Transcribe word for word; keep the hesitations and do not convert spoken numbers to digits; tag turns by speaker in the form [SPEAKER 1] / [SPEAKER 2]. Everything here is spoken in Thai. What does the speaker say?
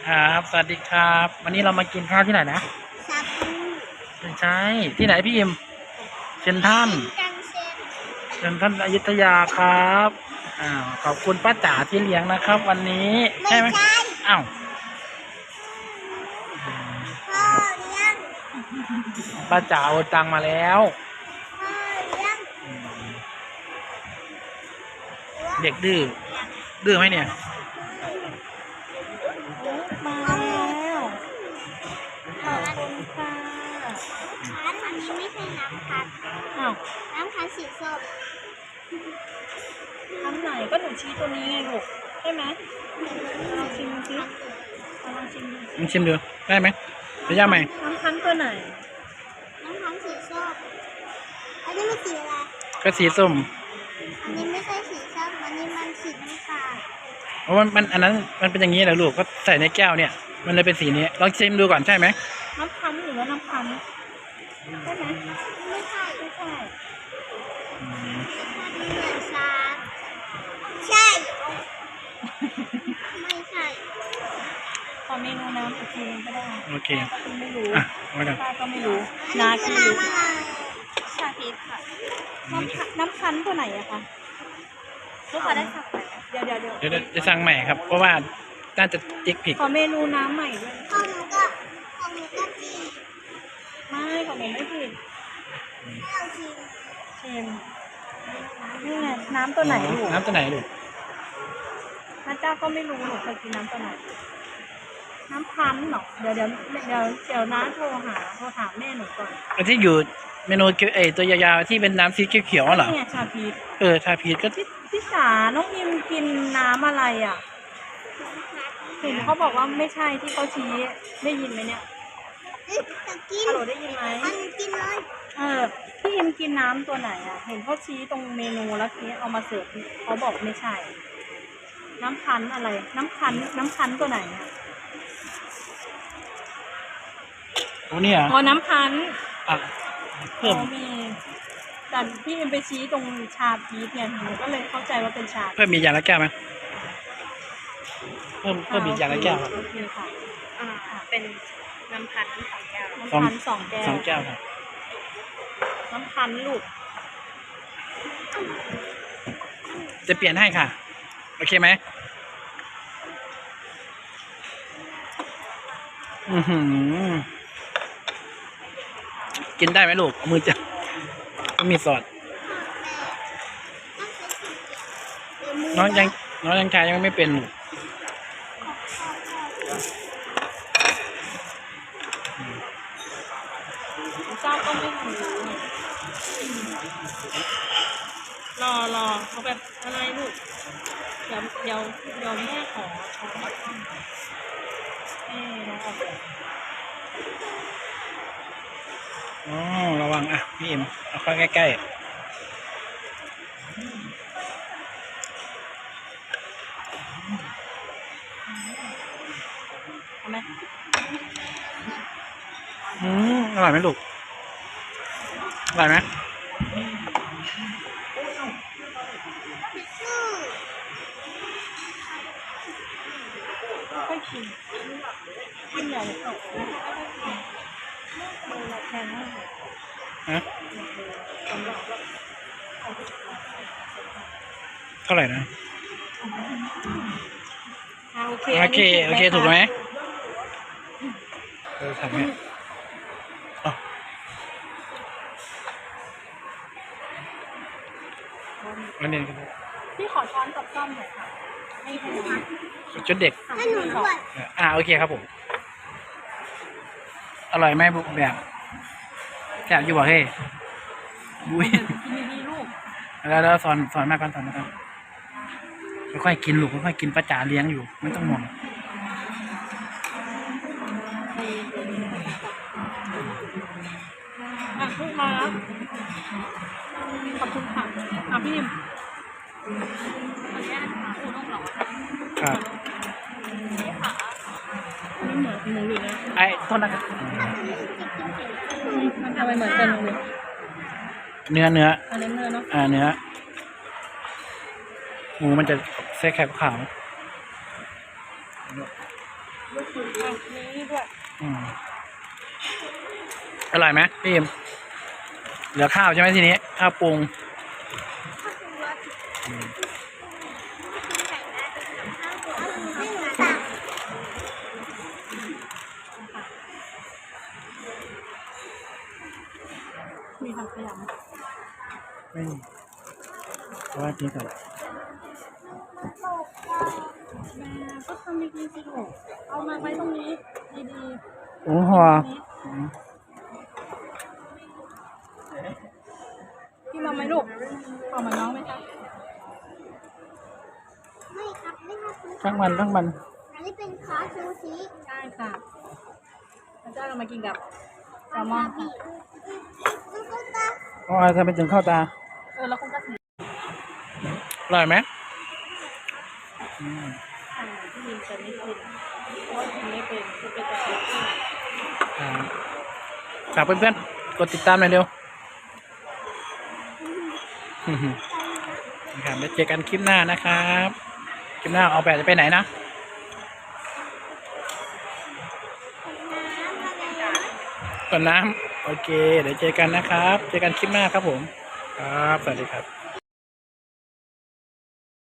[SPEAKER 1] ครับสวัสดีครับ วันนี้เรามากินข้าวที่ไหนนะ
[SPEAKER 2] ชาบู
[SPEAKER 1] ไม่ใช่ที่ไหนพี่อิมเซนทรัล
[SPEAKER 2] จังเซน
[SPEAKER 1] เซนทรัลอยุธยาครับอ้าวขอบคุณป้าจ๋าที่เลี้ยงนะครับ วันนี้
[SPEAKER 2] ไม่
[SPEAKER 1] ใช่ไหม
[SPEAKER 2] ใช่
[SPEAKER 1] อ้าว
[SPEAKER 2] พ่อเลี้ยง
[SPEAKER 1] ป้าจ๋าโอนตังมาแล้ว
[SPEAKER 2] พ่อเลี้ยง
[SPEAKER 1] เด็กดื้อดื้อไหมเนี่ย
[SPEAKER 3] มาแล้วขอบคุณค่ะ
[SPEAKER 2] ร้านอันนี้ไม่ใช่น้ำพัน
[SPEAKER 3] อ้าว
[SPEAKER 2] น้ำพันสีส้ม
[SPEAKER 3] ทำไหนก็หนูชี้ตัวนี้ไงลูกใช่ไหมลองชิมดูสิลองชิมดู
[SPEAKER 1] ลองชิมดูได้ไหมจะย่าไหม
[SPEAKER 3] น้ำพันตัวไหน
[SPEAKER 2] น้ำพันสีส้มอันนี้มันสีอะไร
[SPEAKER 1] ก็สีส้ม
[SPEAKER 2] อันนี้ไม่ใช่สีส้มอันนี้มันสีน้ำตาล
[SPEAKER 1] เพราะมันมันอันนั้นมันเป็นอย่างนี้แหละลูกก็ใส่ในแก้วเนี่ยมันเลยเป็นสีนี้ลองชิมดูก่อนใช่ไหม
[SPEAKER 3] น้ำพันหรือว่าน้ำพันใช่ไหม
[SPEAKER 2] ไม่ใช่
[SPEAKER 3] ไม่ใช่
[SPEAKER 2] เหมือนชาใช่ไม่ใช่
[SPEAKER 3] ขอเมนูน้ำอีกทีนึงก็ได้
[SPEAKER 1] โอเค
[SPEAKER 3] ก็ไม่รู้
[SPEAKER 1] อ่ะมากัน
[SPEAKER 3] ป้าก็ไม่รู้นาคีชาพีชค่ะน้ำน้ำพันตัวไหนอะคะลูกค้าได้สั่งไหมเดี๋ยวเดี๋ยวเดี๋ยว
[SPEAKER 1] เดี๋ยวจะสั่งใหม่ครับเพราะว่าน่าจะติ๊กผิด
[SPEAKER 3] ขอเมนูน้ำใหม่ด้วย
[SPEAKER 2] ข้าวหนูก็ข้าวหนูก็จี
[SPEAKER 3] ไม่ของหนูไม่ผิด
[SPEAKER 2] ข้าวจี
[SPEAKER 3] เชมนี่ไงน้ำตัวไหนลูก
[SPEAKER 1] น้ำตัวไหนลูก
[SPEAKER 3] พระเจ้าก็ไม่รู้หนูเคยกินน้ำตัวไหนน้ำพันหรอเดี๋ยวเดี๋ยวเดี๋ยวเดี๋ยวน้าโทรหาโทรถามแม่หนูก่อน
[SPEAKER 1] อันที่อยู่เมนูเอตัวยาวๆที่เป็นน้ำสีเขียวๆเหรอ
[SPEAKER 3] เนี่ยชาพีช
[SPEAKER 1] เออชาพีชก็
[SPEAKER 3] พี่พี่สาน้องพิมกินน้ำอะไรอ่ะเห็นเขาบอกว่าไม่ใช่ที่เขาชี้ได้ยินไหมเนี่ย
[SPEAKER 2] จะกิน
[SPEAKER 3] ฮัลโหลได้ยินไหม
[SPEAKER 2] อันกินเลย
[SPEAKER 3] เออพี่พิมกินน้ำตัวไหนอ่ะเห็นเขาชี้ตรงเมนูแล้วทีเอามาเสิร์ฟเขาบอกไม่ใช่น้ำพันอะไรน้ำพันน้ำพันตัวไหนอ่ะ
[SPEAKER 1] โอ้เนี่ย
[SPEAKER 3] อ๋อน้ำพัน
[SPEAKER 1] อ่ะเพิ่ม
[SPEAKER 3] มีแต่พี่พิมไปชี้ตรงชาพีชเนี่ยหนูก็เลยเข้าใจว่าเป็นชา
[SPEAKER 1] เพิ่มมีอย่างละแก้วไหมเพิ่มเพิ่มมีอย่างละแก้วครับ
[SPEAKER 3] โอเคค่ะอ่าเป็นน้ำพันสองแก้วน้ำพันสองแก้ว
[SPEAKER 1] สองแก้วครับ
[SPEAKER 3] น้ำพันลูก
[SPEAKER 1] จะเปลี่ยนให้ค่ะโอเคไหมอือหือกินได้ไหมลูกเอามือจับก็มีซอสน้องยังน้องยังชายยังไม่เป็น
[SPEAKER 3] เจ้าก็ไม่รู้รอรอเขาแบบอะไรลูกเดี๋ยวเดี๋ยวเดี๋ยวแม่ขอช้อนเอ๊ะน้องออก
[SPEAKER 1] อ๋อระวังอ่ะพี่เอ็มเอาเข้าใกล้ๆ
[SPEAKER 3] เอาไหม
[SPEAKER 1] อืมอร่อยไหมลูกอร่อยไหม
[SPEAKER 3] ค่อยกินกินใหญ่เลยค่ะแพงมาก
[SPEAKER 1] ฮะเท่าไหร่นะ
[SPEAKER 3] โอเค
[SPEAKER 1] โอเคโอเคถูกไหมเออทำไงอ๋ออันนี้
[SPEAKER 3] พี่ขอช้อนกับซ่อมหน่อยค่ะให้ให้หนู
[SPEAKER 1] ชุดเด็ก
[SPEAKER 2] ให้หนูด้วย
[SPEAKER 1] อ่าโอเคครับผมอร่อยไหมบุกแบบแซ่บอยู่บ่เฮ้ยบุ้ยแล้วแล้วสอนสอนมากก่อนสอนมากก่อนค่อยๆกินลูกค่อยๆกินป้าจ๋าเลี้ยงอยู่ไม่ต้องห่วง
[SPEAKER 3] อ่ะลูกมาแล้วขอบคุณค่ะอ่ะพี่ยิมขออนุญาตค่ะอูด้งหรอ
[SPEAKER 1] ครับ
[SPEAKER 3] นี่ค่ะมันเหมือนหมูหรือนะ
[SPEAKER 1] ไอ้ต้นนะครับ
[SPEAKER 3] มันทำไมเหมือนกันเลย
[SPEAKER 1] เนื้อเนื้อ
[SPEAKER 3] อันนี้เนื้อเนาะ
[SPEAKER 1] อ่าเนื้อหมูมันจะใส่ไข่ขาว
[SPEAKER 3] นี้ด้วย
[SPEAKER 1] อืมอร่อยไหมพี่เอ็มเหลือข้าวใช่ไหมทีนี้ข้าวปรุง
[SPEAKER 2] ข้าวปรุงรสกินไก่ได้เป็นกับข้าวปรุงไม่หนูสั่ง
[SPEAKER 3] มีผักขยำ
[SPEAKER 1] ไม่มีเพราะว่ากินก่อน
[SPEAKER 3] แม่ก็ทำดีๆสิลูกเอามาไว้ตรงนี้ดี
[SPEAKER 1] โอ้หัว
[SPEAKER 3] ๆนี้พี่มาไหมลูกเอามาน้องไหมคะ
[SPEAKER 2] ไม่ครับไม่ครับคุณ
[SPEAKER 1] ทั้งมันทั้งมัน
[SPEAKER 2] อันนี้เป็นคอสซูชิ
[SPEAKER 3] ใช่ค่ะพระเจ้าเรามากินกับแซลมอนค่ะ
[SPEAKER 2] ลูกตา
[SPEAKER 1] อ๋อทำไมถึงเข้าตา
[SPEAKER 3] เออแล้วคุณก็ถือ
[SPEAKER 1] อร่อยไหมอืม
[SPEAKER 3] อ่าที่ยินจะไม่กินเพราะว่ากินไม่เป็นคือเป็นแต่กิน
[SPEAKER 1] อ่าฝากเพื่อนๆกดติดตามหน่อยเร็วนะครับแล้วเจอกันคลิปหน้านะครับคลิปหน้าเอาแบบจะไปไหนนะ
[SPEAKER 2] น้ำอะไรนะ
[SPEAKER 1] ก่อนน้ำโอเค เดี๋ยวเจอกันนะครับ เจอกันคลิปหน้าครับผม ครับ สวัสดีครับ